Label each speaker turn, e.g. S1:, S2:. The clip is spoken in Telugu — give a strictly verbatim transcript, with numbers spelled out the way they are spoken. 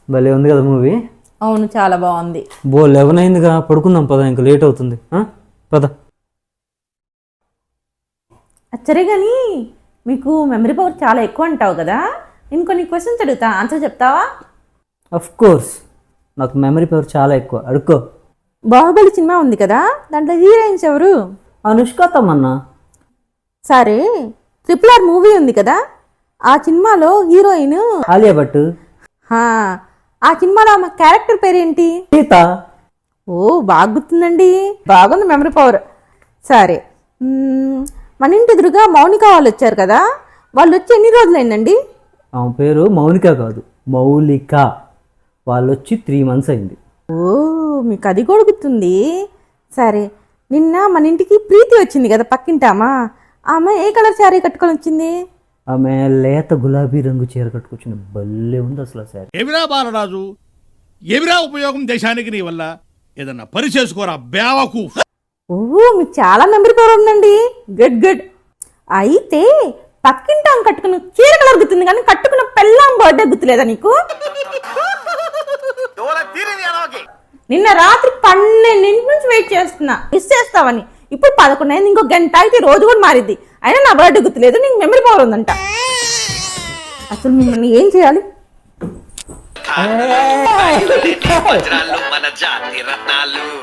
S1: భలే ఉంది కదా మూవీ.
S2: అవును, చాలా బాగుంది.
S1: బో లెవెన్ అయిందిగా, పడుకుందాం పద, ఇంకా లేట్ అవుతుంది. పద.
S2: సరే కానీ మీకు మెమరీ పవర్ చాలా ఎక్కువ అంటావు కదా, నేను కొన్ని క్వశ్చన్స్ అడుగుతా, ఆన్సర్ చెప్తావా?
S1: అఫ్ కోర్స్, నాకు మెమరీ పవర్ చాలా ఎక్కువ, అడుక్కో.
S2: బాహుబలి సినిమా ఉంది కదా, దాంట్లో హీరోయిన్స్ ఎవరు?
S1: అనుష్క తమన్నా.
S2: సరే, ట్రిపుల్ ఆర్ మూవీ ఉంది కదా, ఆ సినిమాలో హీరోయిన్
S1: ఆలియా భట్.
S2: ఆ సినిమాలో ఆమె క్యారెక్టర్ పేరేంటి?
S1: సీత.
S2: ఓ బాగా గుర్తుందండి, బాగుంది మెమరీ పవర్. సరే, మన ఇంటి ఎదురుగా మౌనిక వాళ్ళు వచ్చారు కదా, వాళ్ళు వచ్చి ఎన్ని రోజులైందండి?
S1: ఆమె పేరు మౌనిక కాదు, మౌలిక. వాళ్ళు వచ్చి త్రీ మంత్స్ అయింది.
S2: ఓ మీకు అది కూడా గుర్తుంది. సరే, నిన్న మన ఇంటికి ప్రీతి వచ్చింది కదా పక్కింటామా, ఆమె ఏ కలర్ శారీ కట్టుకొని వచ్చింది?
S1: ఆమె లేత గులాబీ రంగు చీర కట్టుకొచ్చింది, భలే ఉంది అసలు శారీ.
S3: ఏమిరా బాలరాజు, ఏమిరా ఉపయోగం దేశానికి నీ వల్ల? ఏదన్నా పని చేసుకోరా బేవకు.
S2: ఓ మీకు చాలా మెమరీ పవర్ ఉందండి, గుడ్ గుడ్. అయితే పక్కింటాం కట్టుకున్న చీర కలర్ గుర్తుంది కానీ కట్టుకున్న పెళ్ళాం బర్త్డే గుర్తులేదా నీకు? నిన్న రాత్రి పన్నెండింటి నుంచి వెయిట్ చేస్తున్నా మిస్ చేస్తావని, ఇప్పుడు పదకొండు అయింది, ఇంకో గంట అయితే రోజు కూడా మారిద్ది, అయినా నా బర్త్డే గుర్తులేదు, నీకు మెమరీ పవర్ ఉందంట. అసలు మిమ్మల్ని ఏం చేయాలి?
S4: మన జాతి రత్నాలు